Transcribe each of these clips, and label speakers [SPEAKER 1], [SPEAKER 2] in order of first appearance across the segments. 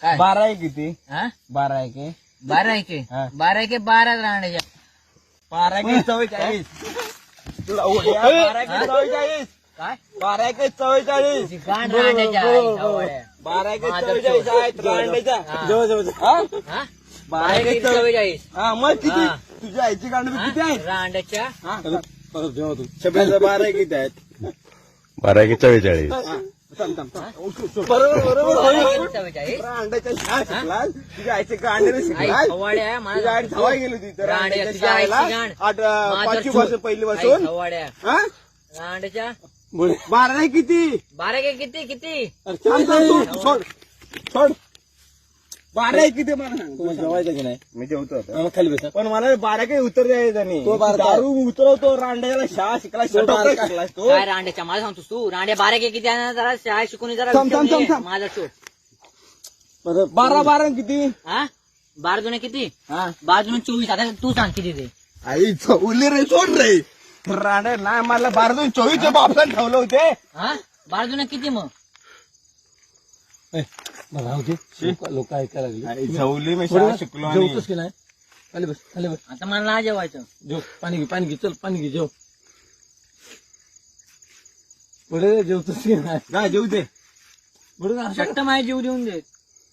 [SPEAKER 1] काय
[SPEAKER 2] 12 आहे किती?
[SPEAKER 1] हा
[SPEAKER 2] 12 आहे की
[SPEAKER 1] 12 एके
[SPEAKER 2] हा.
[SPEAKER 1] 12 एके 12 रांड्याच्या
[SPEAKER 2] 12 आहे की 44 तुला उड्या 12
[SPEAKER 1] हा?
[SPEAKER 2] की 44
[SPEAKER 1] काय
[SPEAKER 2] 12 की 44
[SPEAKER 1] ती गांड रांड्याच्या आई सवड्या.
[SPEAKER 2] 12 की
[SPEAKER 1] माझं
[SPEAKER 2] 44
[SPEAKER 1] चोर.
[SPEAKER 2] आहेत रांडेच्या
[SPEAKER 1] हा.
[SPEAKER 2] जवळ जवळ हा
[SPEAKER 1] हा
[SPEAKER 2] 12 की
[SPEAKER 1] 44
[SPEAKER 2] हा मग किती
[SPEAKER 1] हा.
[SPEAKER 2] तुझ्या आईची गांड किती आहेत
[SPEAKER 1] रांड्याच्या
[SPEAKER 2] हा परत जेव्हा तू शब्दाचा 12 किती आहेत
[SPEAKER 3] 12 की 44
[SPEAKER 2] हा. थांब, थांब, थांब. बरोबर
[SPEAKER 1] 12 एके 44
[SPEAKER 2] रांडाच्या शाळा शिकलास तुझ्या आईचे गांडे
[SPEAKER 1] आई
[SPEAKER 2] शिकलास
[SPEAKER 1] सवड्या
[SPEAKER 2] तुझ्या आई धावाय गेली होती तर
[SPEAKER 1] रांड्या,
[SPEAKER 2] रांडेच्या
[SPEAKER 1] तुझ्या आईची
[SPEAKER 2] शाळेला
[SPEAKER 1] गांड.
[SPEAKER 2] 5वी पासून पहिली पासून
[SPEAKER 1] सवड्या
[SPEAKER 2] हा
[SPEAKER 1] रांड्याच्या
[SPEAKER 2] 12 आहे किती
[SPEAKER 1] 12 एके किती किती
[SPEAKER 2] अरे थांब, थांब, तू सोड सोड 12 आहे किती मला सांग तुम्हाला जेवायचं की नाही मी जेवतो आता खाली बस पण मला 12 काही उत्तर द्यायचं नाही दारू उतरवतो रांड्याला शाळा शिकला शिकलास तो
[SPEAKER 1] काय रांड्याच्या मला सांगतोस तू रांड्या 12 एके किती आहे ना जरा शाळा शिकून जरा
[SPEAKER 2] थांब, थांब,
[SPEAKER 1] विचारून ये.
[SPEAKER 2] थांब.
[SPEAKER 1] माझा शोध
[SPEAKER 2] 12 किती
[SPEAKER 1] हा 12 जुने किती
[SPEAKER 2] हा
[SPEAKER 1] 12 जुने 24 आता तू सांग किती ते
[SPEAKER 2] आई चौली रे सोड रे रांड्या नाही मला 12 24 बापसान ठेवलं होते
[SPEAKER 1] हा 12 जुने किती मग
[SPEAKER 4] लोक ऐकायला लागली
[SPEAKER 2] आई चौली मी शाळा शिकलो आणि
[SPEAKER 4] जेवतोस की नाही खाली बस खाली बस
[SPEAKER 1] आता मला नाही जेवायचं
[SPEAKER 4] जेव पाणी घे चल पाणी घे जेव पुढे जेवतोस की नाही
[SPEAKER 2] जा जेवू दे
[SPEAKER 4] पुढे
[SPEAKER 1] शट्ट माझ्या जीव देऊन दे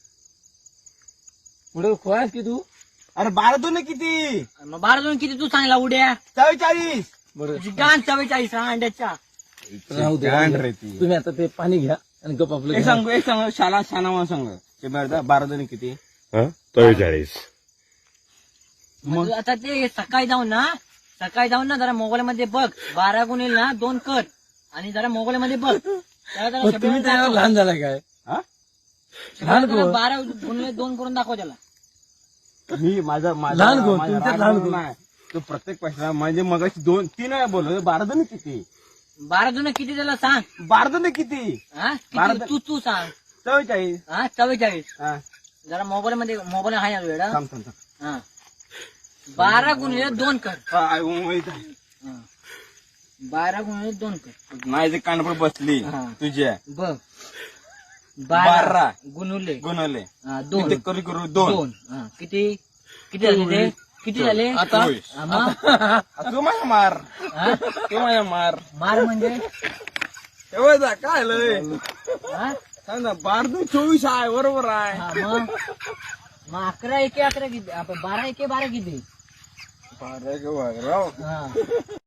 [SPEAKER 4] पुढे खोयास की तू
[SPEAKER 2] अरे 12 किती
[SPEAKER 1] मग 12 जुने किती तू सांगला उड्या
[SPEAKER 2] 44
[SPEAKER 4] बरं
[SPEAKER 1] तुझी गाण 44 रांड्याच्या
[SPEAKER 4] राहू दे
[SPEAKER 2] गांड रे ती.
[SPEAKER 4] तुम्ही आता ते पाणी घ्या आणि गप आपलं
[SPEAKER 2] एक
[SPEAKER 4] घ्या.
[SPEAKER 2] सांग शाळा शाना सांग ते 12 किती
[SPEAKER 3] हा 44
[SPEAKER 1] मग आता ते सकाळी जाऊन ना जरा मोबाईल मध्ये बघ 12 गुणिले ना 2 कर आणि जरा मोबाईल मध्ये बघ त्याला जरा
[SPEAKER 4] मग
[SPEAKER 1] शब्द
[SPEAKER 4] तुम्ही त्याला
[SPEAKER 1] दाखव.
[SPEAKER 4] लहान झाला काय
[SPEAKER 2] हा
[SPEAKER 4] लहान
[SPEAKER 1] जरा
[SPEAKER 4] कोण?
[SPEAKER 1] 12 गुणिले 2 करून दाखव त्याला
[SPEAKER 2] मी माझा
[SPEAKER 4] लहान कोण?
[SPEAKER 2] माझा
[SPEAKER 4] तुमच्यात
[SPEAKER 2] राग
[SPEAKER 4] लहान
[SPEAKER 2] म्हणून
[SPEAKER 4] कोण?
[SPEAKER 2] नाही तो प्रत्येक पैसा म्हणजे मगाशी 3 वेळा बोललो 12 किती
[SPEAKER 1] 12 जुने किती त्याला सांग
[SPEAKER 2] 12 किती
[SPEAKER 1] हा
[SPEAKER 2] बारा
[SPEAKER 1] किती तू सांग
[SPEAKER 2] 44
[SPEAKER 1] हा 44
[SPEAKER 2] हा
[SPEAKER 1] जरा मोबाईल मध्ये मोबाईल आहे ना वेळा
[SPEAKER 2] थांब थांब थांब.
[SPEAKER 1] हा 12 गुणिले 2 कर
[SPEAKER 2] हा, आई, माहित आहे.
[SPEAKER 1] हा. 12 गुणिले 2 कर
[SPEAKER 2] माझी कानपूर बसली
[SPEAKER 1] हा.
[SPEAKER 2] तुझ्या
[SPEAKER 1] बघ
[SPEAKER 2] 12
[SPEAKER 1] 12 गुणुले
[SPEAKER 2] गुणवले
[SPEAKER 1] 2
[SPEAKER 2] किती करू 2
[SPEAKER 1] किती किती झाले ते किती झाले
[SPEAKER 2] आता
[SPEAKER 1] हा, मग?
[SPEAKER 2] तू माझा मार
[SPEAKER 1] हा?
[SPEAKER 2] तू माझा मार
[SPEAKER 1] मार म्हणजे
[SPEAKER 2] एवढा काय लय
[SPEAKER 1] हा?
[SPEAKER 2] सांग ना 12 24 आहे बरोबर आहे
[SPEAKER 1] हा, मग 11 एके 11 किती आपण 12 एके 12 किती
[SPEAKER 2] 12 राव
[SPEAKER 1] हा